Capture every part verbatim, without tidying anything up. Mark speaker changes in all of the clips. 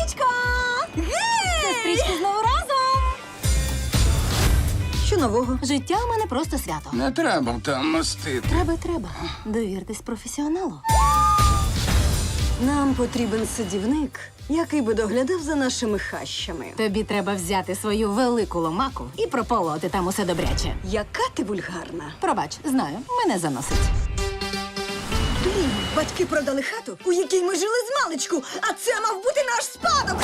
Speaker 1: Сестричко! Гей! Сестрички знову разом!
Speaker 2: Що нового?
Speaker 1: Життя у мене просто свято.
Speaker 3: Не треба там мастити.
Speaker 1: Треба, треба. Довіртесь професіоналу.
Speaker 2: Нам потрібен садівник, який би доглядав за нашими хащами.
Speaker 1: Тобі треба взяти свою велику ломаку і прополоти там усе добряче.
Speaker 2: Яка ти вульгарна.
Speaker 1: Пробач, знаю, мене заносить.
Speaker 2: Блін, батьки продали хату, у якій ми жили з маличку, а це мав бути наш спадок.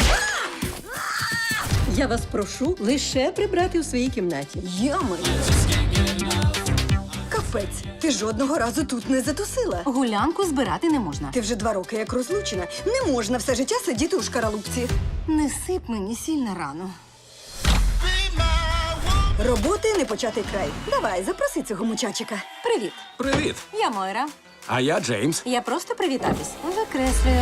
Speaker 4: Я вас прошу лише прибрати у своїй кімнаті.
Speaker 2: Ями. Капець, ти жодного разу тут не затусила.
Speaker 1: Гулянку збирати не можна.
Speaker 2: Ти вже два роки як розлучена. Не можна все життя сидіти у шкаралупці.
Speaker 1: Не сип мені сіль на рану.
Speaker 2: Роботи не початий край. Давай, запроси цього мучачика.
Speaker 1: Привіт,
Speaker 3: Привіт.
Speaker 1: я Мойра.
Speaker 3: А я Джеймс.
Speaker 1: Я просто привітатись. Викреслюю.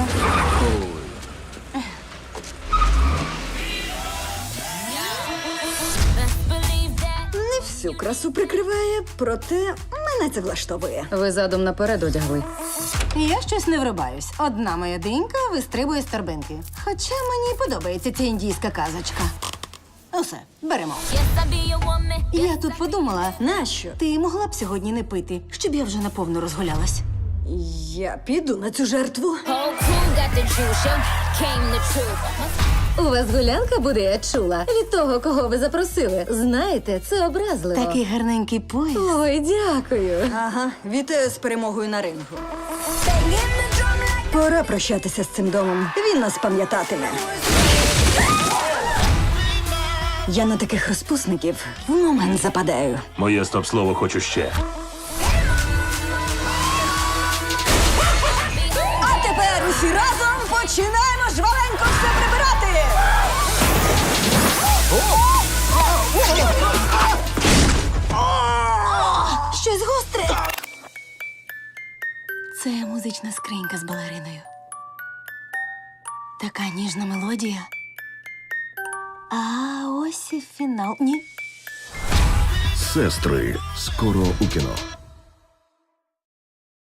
Speaker 2: Не всю красу прикриває, проте мене це влаштовує.
Speaker 4: Ви задом наперед одягли.
Speaker 1: Я щось не врубаюсь. Одна моя динька вистрибує з торбинки. Хоча мені подобається ця індійська казочка. Усе, беремо. Я тут подумала,
Speaker 2: Нащо?
Speaker 1: ти могла б сьогодні не пити, щоб я вже наповну розгулялась.
Speaker 2: Я піду на цю жертву.
Speaker 5: Whole crew got the juice, yo. Came the truth.
Speaker 4: У вас гулянка буде, я чула. Від того, кого ви запросили. Знаєте, це образливо.
Speaker 1: Такий гарненький пояс.
Speaker 4: Ой, дякую.
Speaker 2: Ага, вітаю з перемогою на рингу. Пора прощатися з цим домом. Він нас пам'ятатиме. Я на таких розпусників в момент западаю.
Speaker 6: Моє стоп-слово хочу ще.
Speaker 2: А тепер усі разом починаємо жваленько все прибирати!
Speaker 1: Щось гостре. Це музична скринька з балериною. Така ніжна мелодія. А ось і фінал. Ні.
Speaker 6: Сестри. Скоро у кіно.